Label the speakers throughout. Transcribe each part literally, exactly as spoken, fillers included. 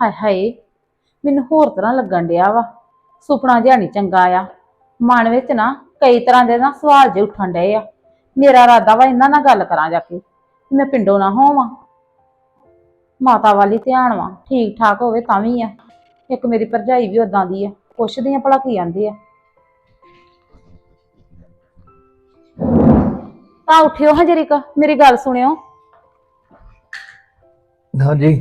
Speaker 1: ਹਾਏ ਹਾਏ ਮੈਨੂੰ ਹੋਰ ਤਰ੍ਹਾਂ ਲੱਗਣ ਡਿਆ ਵਾ। ਸੁਪਨਾ ਜਿਹਾ ਨੀ ਚੰਗਾ ਆ। ਮਨ ਵਿੱਚ ਨਾ ਕਈ ਤਰ੍ਹਾਂ ਦੇ ਨਾ ਸਵਾਲ ਜੇ ਉੱਠਣ ਡਏ ਆ। ਮੇਰਾ ਇਰਾਦਾ ਵਾ ਇਹਨਾਂ ਨਾਲ ਗੱਲ ਕਰਾਂ ਜਾ ਕੇ, ਮੈਂ ਪਿੰਡੋਂ ਨਾ ਹੋਵਾਂ। ਮਾਤਾ ਵਾਲੀ ਧਿਆਨ ਵਾ, ਠੀਕ ਠਾਕ ਹੋਵੇ ਤਾਂ ਵੀ ਆ। ਇੱਕ ਮੇਰੀ ਭਰਜਾਈ ਵੀ ਉਦਾਂ ਦੀ ਆ, ਪੁੱਛਦੀ ਆ ਭਲਾ ਕੀ ਆਂਦੇ ਆ। ਤਾਂ ਉੱਠਿਓ ਹਾਂ ਜਰੀਕ, ਮੇਰੀ ਗੱਲ ਸੁਣਿਓ।
Speaker 2: ਹਾਂਜੀ।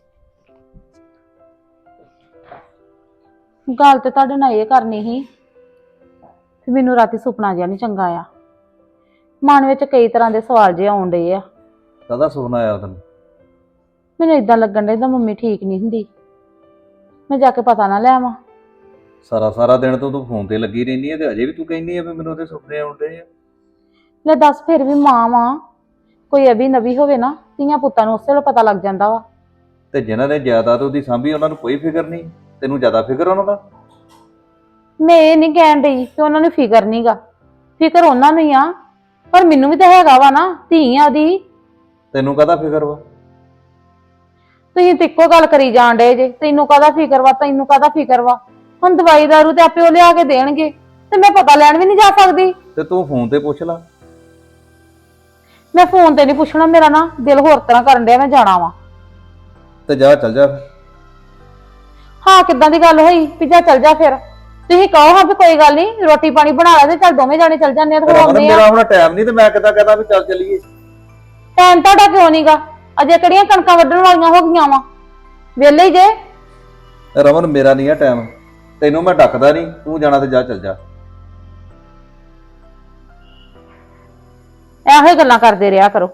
Speaker 1: ਗੱਲ ਤੇ ਤੁਹਾਡੇ ਨਾਲ ਇਹ ਕਰਨੀ ਸੀ ਕਿ ਮੈਨੂੰ ਰਾਤੀ ਸੁਪਨਾ ਜਿਹਾ ਨਹੀਂ ਚੰਗਾ ਆ। ਮਨ ਵਿੱਚ ਕਈ ਤਰ੍ਹਾਂ ਦੇ ਸਵਾਲ ਜਿਹੇ ਆਉਣ ਡਏ ਆ।
Speaker 2: ਕਾਹਦਾ ਸੁਪਨਾ ਆਇਆ ਤੈਨੂੰ?
Speaker 1: ਮੈਨੂੰ ਇਦਾਂ ਲੱਗਣ ਡਿਆ ਜਿੱਦਾਂ ਮੰਮੀ ਠੀਕ ਨਹੀਂ ਹੁੰਦੀ। ਮੈਂ ਜਾ ਕੇ ਪਤਾ ਨਾ ਲੈ ਆਵਾਂ।
Speaker 2: ਸਾਰਾ ਸਾਰਾ ਦਿਨ ਤੋਂ ਤੂੰ ਫੋਨ ਤੇ ਲੱਗੀ ਰਹਿੰਦੀ ਹੈ ਤੇ ਅਜੇ ਵੀ ਤੂੰ ਕਹਿੰਦੀ ਆ ਵੀ ਮੈਨੂੰ ਉਹਦੇ ਸੁਪਨੇ ਆਉਂਦੇ ਆ।
Speaker 1: ਲੈ ਦੱਸ, ਫਿਰ ਵੀ ਮਾਂ ਵਾਂ, ਕੋਈ ਅਭੀ ਨਵੀ ਹੋਵੇ ਨਾ, ਧੀਆਂ ਪੁੱਤਾਂ ਨੂੰ ਉਸੇ ਵੇਲੇ ਪਤਾ ਲੱਗ ਜਾਂਦਾ ਵਾ।
Speaker 2: ਤੇ ਜਿਨ੍ਹਾਂ ਨੇ ਜਾਇਦਾਦ ਉਹਦੀ ਸਾਂਭੀ ਉਹਨਾਂ ਨੂੰ ਕੋਈ ਫਿਕਰ ਨਹੀਂ, ਤੈਨੂੰ ਜ਼ਿਆਦਾ ਫਿਕਰ ਉਹਨਾਂ ਦਾ।
Speaker 1: ਮੈਂ ਇਹ ਨਹੀਂ ਕਹਿਣ ਡਈ ਕਿ ਉਹਨਾਂ ਨੂੰ ਫਿਕਰ ਨਹੀਂਗਾ, ਫਿਕਰ ਉਹਨਾਂ ਨੂੰ ਹੀ ਆ, ਪਰ ਮੈਨੂੰ ਵੀ ਤਾਂ ਹੈਗਾ ਵਾ ਨਾ, ਧੀ ਆ ਉਹਦੀ।
Speaker 2: ਤੈਨੂੰ ਕਾਹਦਾ ਫਿਕਰ ਵਾ?
Speaker 1: ਤੁਸੀਂ ਤੇ ਇੱਕੋ ਗੱਲ ਕਰੀ ਜਾਣ ਡਏ ਜੇ, ਤੈਨੂੰ ਕਾਹਦਾ ਫਿਕਰ ਵਾ, ਤੈਨੂੰ ਕਾਹਦਾ ਫਿਕਰ ਵਾ। ਹੁਣ ਦਵਾਈ ਦਾਰੂ ਤੇ ਆਪੇ ਉਹ ਲਿਆ ਕੇ ਦੇਣਗੇ ਤੇ ਮੈਂ ਪਤਾ ਲੈਣ ਵੀ ਨਹੀਂ ਜਾ ਸਕਦੀ।
Speaker 2: ਤੇ ਤੂੰ ਫੋਨ ਤੇ ਪੁੱਛ ਲਾ।
Speaker 1: ਮੈਂ ਫੋਨ ਤੇ ਨਹੀਂ ਪੁੱਛਣਾ, ਮੇਰਾ ਨਾ ਦਿਲ ਹੋਰ ਤਰ੍ਹਾਂ ਕਰਨ ਡਿਆ, ਮੈਂ ਜਾਣਾ ਵਾ।
Speaker 2: ਤੇ ਜਾ ਚੱਲ ਜਾ ਫਿਰ।
Speaker 1: ਹਾਂ, ਕਿੱਦਾਂ ਦੀ ਗੱਲ ਹੋਈ ਵੀ ਜਾ ਚੱਲ ਜਾ? ਫਿਰ ਤੁਸੀਂ ਕਹੋ ਹਾਂ ਵੀ ਕੋਈ ਗੱਲ ਨਹੀਂ, ਰੋਟੀ ਪਾਣੀ ਬਣਾ ਲਾ ਤੇ ਚੱਲ ਦੋਵੇਂ ਜਾਣੇ ਚੱਲ ਜਾਂਦੇ ਆ ਤੇ ਆਉਂਦੇ ਆ।
Speaker 2: ਮੇਰਾ ਹੁਣ ਟਾਈਮ ਨਹੀਂ ਤੇ ਮੈਂ ਕਿੱਦਾਂ ਕਹਦਾ ਵੀ ਚੱਲ ਚੱਲੀਏ।
Speaker 1: ਟਾਈਮ ਤੁਹਾਡਾ ਕਿਉਂ ਨਹੀਂਗਾ? ਅਜੇ ਕਿਹੜੀਆਂ ਕਣਕਾਂ ਵੱਢਣ ਵਾਲੀਆਂ ਹੋ ਗਈਆਂ ਵਾ, ਵਿਹਲੇ ਹੀ ਜੇ।
Speaker 2: ਰਮਨ ਮੇਰਾ ਨਹੀਂ ਆ ਟਾਈਮ, ਤੈਨੂੰ ਮੈਂ ਡੱਕਦਾ ਨਹੀਂ, ਤੂੰ ਜਾਣਾ ਤੇ ਜਾ ਚੱਲ ਜਾ।
Speaker 1: ਇਹੋ ਹੀ ਗੱਲਾਂ ਕਰਦੇ ਰਿਹਾ ਕਰੋ।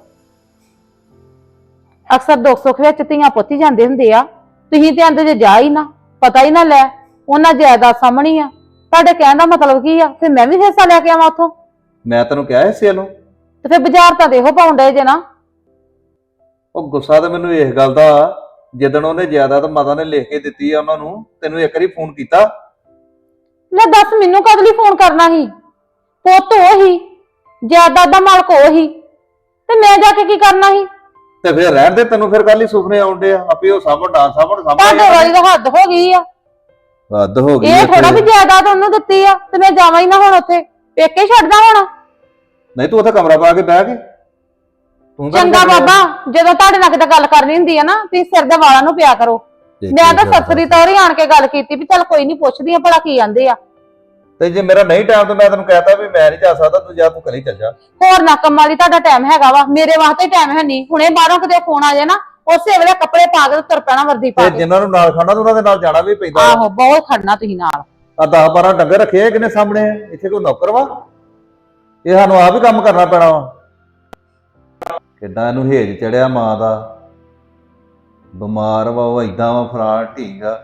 Speaker 1: ਅਕਸਰ ਦੁੱਖ ਸੁੱਖ ਵਿੱਚ ਧੀਆਂ ਪੁੱਤ ਹੀ ਜਾਂਦੇ ਹੁੰਦੇ ਆ, ਤੁਸੀਂ ਤੇ ਆਂਦੇ ਜੇ ਜਾ ਹੀ ਨਾ, ਪਤਾ ਹੀ ਨਾ ਲੈ। ਉਹਨਾਂ ਜਾਇਦਾਦ ਸਾਹਮਣੀ ਆ, ਤੁਹਾਡੇ ਕਹਿਣ ਦਾ ਮਤਲਬ ਕੀ ਆ? ਫਿਰ ਮੈਂ ਵੀ ਹਿੱਸਾ ਲੈ ਕੇ ਆਵਾਂ ਉੱਥੋਂ?
Speaker 2: ਮੈਂ ਤੈਨੂੰ ਕਿਹਾ ਹਿੱਸੇ ਨੂੰ।
Speaker 1: ਤੇ ਫਿਰ ਬਾਜ਼ਾਰ ਤਾਂ ਦੇਖੋ ਪਾਉਣ ਡਏ ਜੇ ਨਾ।
Speaker 2: ਉਹ ਗੁੱਸਾ ਤਾਂ ਮੈਨੂੰ ਇਸ ਗੱਲ ਦਾ, ਜਿੱਦਣ ਉਹਨੇ ਜਾਇਦਾਦ ਮਾਤਾ ਨੇ ਲਿਖ ਕੇ ਦਿੱਤੀ ਆ ਉਹਨਾਂ ਨੂੰ, ਤੈਨੂੰ ਇੱਕ ਵਾਰੀ ਫੋਨ ਕੀਤਾ?
Speaker 1: ਲੈ ਦੱਸ, ਮੈਨੂੰ ਕਦ ਲਈ ਫੋਨ ਕਰਨਾ ਸੀ? ਪੁੱਤ ਉਹ ਹੀ, ਜਾਇਦਾਦ ਦਾ ਮਾਲਕ ਉਹ ਹੀ, ਤੇ ਮੈਂ ਜਾ ਕੇ ਕੀ ਕਰਨਾ ਸੀ?
Speaker 2: ਤੇ ਫਿਰ ਰਹਿਣ ਦੇ, ਤੈਨੂੰ ਫਿਰ ਕੱਲ ਹੀ ਸੁਪਨੇ ਆਉਂਦੇ ਆ, ਆਪੇ ਉਹ ਸਾਹਮਣ ਨਾ ਸਾਹਮਣ
Speaker 1: ਤੁਹਾਡੇ
Speaker 2: ਸਾਹਮਣੇ।
Speaker 1: ਵਾਲੀ ਤਾਂ ਹੱਦ ਹੋ ਗਈ ਆ।
Speaker 2: ਹੱਦ ਹੋ ਗਈ
Speaker 1: ਇਹ ਥੋੜਾ ਵੀ ਜਾਇਦਾਦ ਉਹਨੂੰ ਦਿੱਤੀ ਆ ਤੇ ਮੈਂ ਜਾਵਾਂ ਹੀ ਨਾ ਹੁਣ ਉੱਥੇ, ਪੇਕੇ ਛੱਡਦਾ ਹੁਣ?
Speaker 2: ਨਹੀਂ ਤੂੰ ਉੱਥੇ ਕਮਰਾ ਪਾ ਕੇ ਬਹਿ ਕੇ ਤੂੰ ਤਾਂ
Speaker 1: ਚੰਗਾ ਬਾਬਾ, ਜਦੋਂ ਤੁਹਾਡੇ ਨਾਲ ਕਿਤੇ ਗੱਲ ਕਰਨੀ ਹੁੰਦੀ ਆ ਨਾ, ਤੁਸੀਂ ਸਿਰ ਦੇ ਵਾਲਾਂ ਨੂੰ ਪਿਆ ਕਰੋ। ਮੈਂ ਤਾਂ ਸਸਰੀ ਤੌਰ ਹੀ ਆਣ ਕੇ ਗੱਲ ਕੀਤੀ ਵੀ ਚੱਲ ਕੋਈ ਨਹੀਂ, ਪੁੱਛਦੀ ਆ ਭਲਾ ਕੀ ਆਂਦੇ ਆ।
Speaker 2: ਤੇ ਜੇ ਮੇਰਾ ਨਹੀਂ ਟਾਈਮ ਤਾਂ ਮੈਂ ਤੈਨੂੰ ਕਹਿਤਾ ਵੀ ਮੈਂ ਨਹੀਂ ਜਾ ਸਕਦਾ, ਤੂੰ ਜਾ, ਤੂੰ ਘਰੇ ਚੱਲ ਜਾ।
Speaker 1: ਹੋਰ ਨਾ ਕੰਮਾਂ ਲਈ ਤੁਹਾਡਾ ਟਾਈਮ ਹੈਗਾ ਵਾ, ਮੇਰੇ ਵਾਸਤੇ ਟਾਈਮ ਹੈ ਨਹੀਂ। ਹੁਣੇ ਬਾਹਰੋਂ ਕਿਤੇ ਫੋਨ ਆ ਜਾਏ ਨਾ, ਉਸੇ ਵੇਲੇ ਕੱਪੜੇ ਪਾ ਕੇ ਤੁਰ ਪੈਣਾ, ਵਰਦੀ ਪਾ
Speaker 2: ਤੇ
Speaker 1: ਕੇ।
Speaker 2: ਜਿਨ੍ਹਾਂ ਨੂੰ ਨਾਲ ਖਾਣਾ ਉਹਨਾਂ ਦੇ ਨਾਲ ਜਾਣਾ ਵੀ ਪੈਂਦਾ।
Speaker 1: ਆਹੋ, ਬਹੁਤ ਖੜਨਾ ਤੁਸੀਂ ਨਾਲ।
Speaker 2: ਆ ਦਸ ਬਾਰਾਂ ਡੰਗਰ ਰੱਖੇ ਆ, ਕਿੰਨੇ ਸਾਹਮਣੇ ਆ? ਇੱਥੇ ਕੋਈ ਨੌਕਰ ਵਾ? ਇਹ ਸਾਨੂੰ ਆਪ ਹੀ ਕੰਮ ਕਰਨਾ ਪੈਣਾ ਵਾ। ਕਿੱਦਾਂ ਇਹਨੂੰ ਹੇਜ ਚੜਿਆ ਮਾਂ ਦਾ, ਬਿਮਾਰ ਵਾ ਉਹ, ਏਦਾਂ ਵਾ ਫਰਾਰ ਢੀਂਗ ਆ।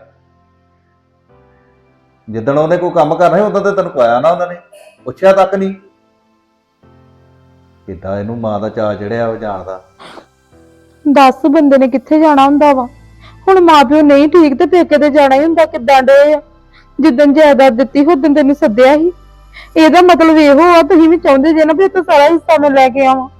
Speaker 2: ਜਿੱਦਣ ਉਹਨੇ ਕੋਈ ਕੰਮ ਕਰਨਾ ਸੀ ਉਦੋਂ ਤੇ ਤੈਨੂੰ ਪਾਇਆ ਨਾ, ਉਹਨਾਂ ਨੇ ਪੁੱਛਿਆ ਤੱਕ ਨਹੀਂ। ਕਿੱਦਾਂ ਇਹਨੂੰ ਮਾਂ ਦਾ ਚਾਅ ਚੜਿਆ ਉਹ ਜਾਣਦਾ।
Speaker 1: ਦਸ ਬੰਦੇ ਨੇ ਕਿੱਥੇ ਜਾਣਾ ਹੁੰਦਾ ਵਾ? ਹੁਣ ਮਾਂ ਪਿਓ ਨਹੀਂ ਠੀਕ ਤੇ ਪੇਕੇ ਤੇ ਜਾਣਾ ਹੀ ਹੁੰਦਾ। ਕਿੱਦਾਂ ਡੇ ਆ? ਜਿੱਦਣ ਜਾਇਦਾਦ ਦਿੱਤੀ ਉਦੋਂ ਤੈਨੂੰ ਸੱਦਿਆ ਸੀ। ਇਹਦਾ ਮਤਲਬ ਇਹੋ ਆ ਤੁਸੀਂ ਵੀ ਚਾਹੁੰਦੇ ਜੇ ਨਾ ਵੀ ਤੂੰ ਸਾਰਾ ਹਿੱਸਾ ਮੈਂ ਲੈ ਕੇ ਆਵਾਂ।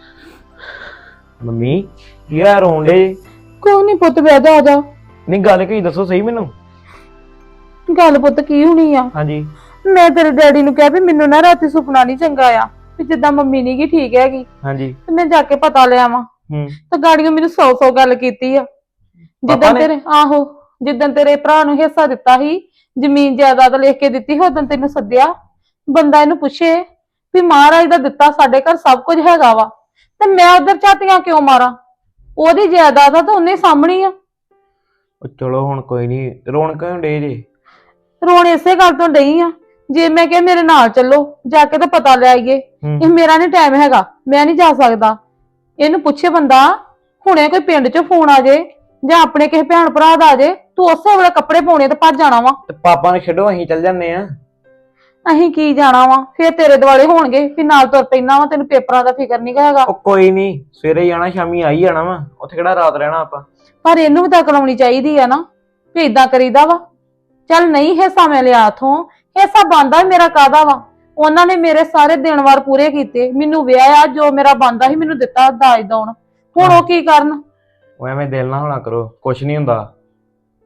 Speaker 3: ਮੰਮੀ ਕੀ ਆ ਰੋਣ ਡੇ?
Speaker 1: ਕੋਈ ਨਹੀਂ ਪੁੱਤ, ਬਹਿ ਜਾ, ਆ ਜਾ।
Speaker 3: ਨਹੀਂ ਗੱਲ ਕੀ ਦੱਸੋ ਸਹੀ ਮੈਨੂੰ।
Speaker 1: ਗੱਲ ਪੁੱਤ ਕੀ ਹੋਣੀ ਆ?
Speaker 3: ਹਾਂਜੀ।
Speaker 1: ਮੈਂ ਤੇਰੇ ਡੈਡੀ ਨੂੰ ਕਿਹਾ ਵੀ ਮੈਨੂੰ ਨਾ ਰਾਤੀ ਸੁਪਨਾ ਨਹੀਂ ਚੰਗਾ ਆ, ਵੀ ਜਿੱਦਾਂ ਮੰਮੀ ਨੀ ਗੀ ਠੀਕ ਹੈਗੀ,
Speaker 3: ਹਾਂਜੀ।
Speaker 1: ਤੇ ਮੈਂ ਜਾ ਕੇ ਪਤਾ ਲੈ ਆਵਾਂ।
Speaker 3: ਹੂੰ।
Speaker 1: ਤੇ ਗਾੜੀਆਂ ਮੈਨੂੰ ਸੌ ਸੌ ਗੱਲ ਕੀਤੀ ਆ। ਜਿੱਦਾਂ ਤੇਰੇ ਆਹੋ ਜਿੱਦਾਂ ਤੇਰੇ ਭਰਾ ਨੂੰ ਹਿੱਸਾ ਦਿੱਤਾ ਸੀ, ਜ਼ਮੀਨ ਜਾਇਦਾਦ ਲਿਖ ਕੇ ਦਿੱਤੀ, ਉਦੋਂ ਤੈਨੂੰ ਸੱਦਿਆ। ਬੰਦਾ ਇਹਨੂੰ ਪੁੱਛੇ ਵੀ ਮਹਾਰਾਜ ਦਾ ਦਿੱਤਾ, ਸਾਡੇ ਘਰ ਸਭ ਕੁਝ ਹੈਗਾ ਵਾ, ਤੇ ਮੈਂ ਉਧਰ ਝਾਤੀਆਂ ਕਿਉਂ ਮਾਰਾਂ? ਉਹਦੀ ਜਾਇਦਾਦ ਆ ਤਾਂ ਉਹਨੇ ਸਾਹਮਣੀ ਆ।
Speaker 3: ਉਹ ਚਲੋ ਹੁਣ ਕੋਈ ਨਹੀਂ, ਰੋਣ ਕਿਉਂ ਡੇ ਜੇ?
Speaker 1: ਰੋਣ ਇਸੇ ਗੱਲ ਤੋਂ ਡਈ ਆ, ਜੇ ਮੈਂ ਕਿਹਾ ਮੇਰੇ ਨਾਲ ਚੱਲੋ, ਜਾ ਕੇ ਤਾਂ ਪਤਾ ਲੈ ਆਈਏ। ਇਹ ਮੇਰਾ ਨਹੀਂ ਟਾਈਮ ਹੈਗਾ, ਮੈਂ ਨਹੀਂ ਜਾ ਸਕਦਾ। ਇਹਨੂੰ ਪੁੱਛੇ ਬੰਦਾ, ਹੁਣੇ ਕੋਈ ਪਿੰਡ ਚੋਂ ਫੋਨ ਆ ਜੇ ਜਾਂ ਆਪਣੇ ਕਿਸੇ ਭੈਣ ਭਰਾ ਦਾ ਆ ਜੇ, ਤੂੰ ਉਸੇ ਵੇਲੇ ਕੱਪੜੇ ਪਾਉਣੇ ਤੇ ਭੱਜ ਜਾਣਾ ਵਾ।
Speaker 3: ਤੇ ਪਾਪਾ ਨੂੰ ਛੱਡੋ, ਅਸੀਂ ਚੱਲ ਜੰਨੇ ਆ।
Speaker 1: ਅਸੀਂ ਕੀ ਜਾਣਾ ਵਾ? ਫੇਰ ਤੇਰੇ ਦੁਆਲੇ ਹੋਣਗੇ ਵੀ ਨਾਲ ਤੁਰ ਪੈਣਾ ਵਾ, ਤੈਨੂੰ ਪੇਪਰਾਂ ਦਾ ਫਿਕਰ ਨਹੀਂ ਹੈਗਾ।
Speaker 3: ਉਹ ਕੋਈ ਨਹੀਂ, ਸਵੇਰੇ ਜਾਣਾ, ਸ਼ਾਮੀ ਆ ਹੀ ਜਾਣਾ ਵਾ, ਉੱਥੇ ਕਿਹੜਾ ਰਾਤ ਰਹਿਣਾ ਆਪਾਂ।
Speaker 1: ਪਰ ਇਹਨੂੰ ਵੀ ਤਾਂ ਅਕਲ ਆਉਣੀ ਚਾਹੀਦੀ ਆ ਨਾ ਵੀ ਏਦਾਂ ਕਰੀਦਾ ਵਾ। ਚੱਲ ਨਹੀਂ ਹਿੱਸਾ ਮੈਂ ਲਿਆ ਉਥੋਂ, ਹਿੱਸਾ ਬਣਦਾ ਮੇਰਾ ਕਾਹਦਾ ਵਾ? ਉਹਨਾਂ ਨੇ ਮੇਰੇ ਸਾਰੇ ਦਿਨ ਵਾਰ ਪੂਰੇ ਕੀਤੇ, ਮੈਨੂੰ ਵਿਆਹਿਆ, ਜੋ ਮੇਰਾ ਬਣਦਾ ਸੀ ਮੈਨੂੰ ਦਿੱਤਾ ਦਾਜ ਦੌਣ। ਹੁਣ ਉਹ ਕੀ ਕਰਨ?
Speaker 3: ਉਹ ਐਵੇਂ ਦਿਲ ਨਾ ਹੋਣਾ ਕਰੋ, ਕੁਛ ਨਹੀਂ ਹੁੰਦਾ।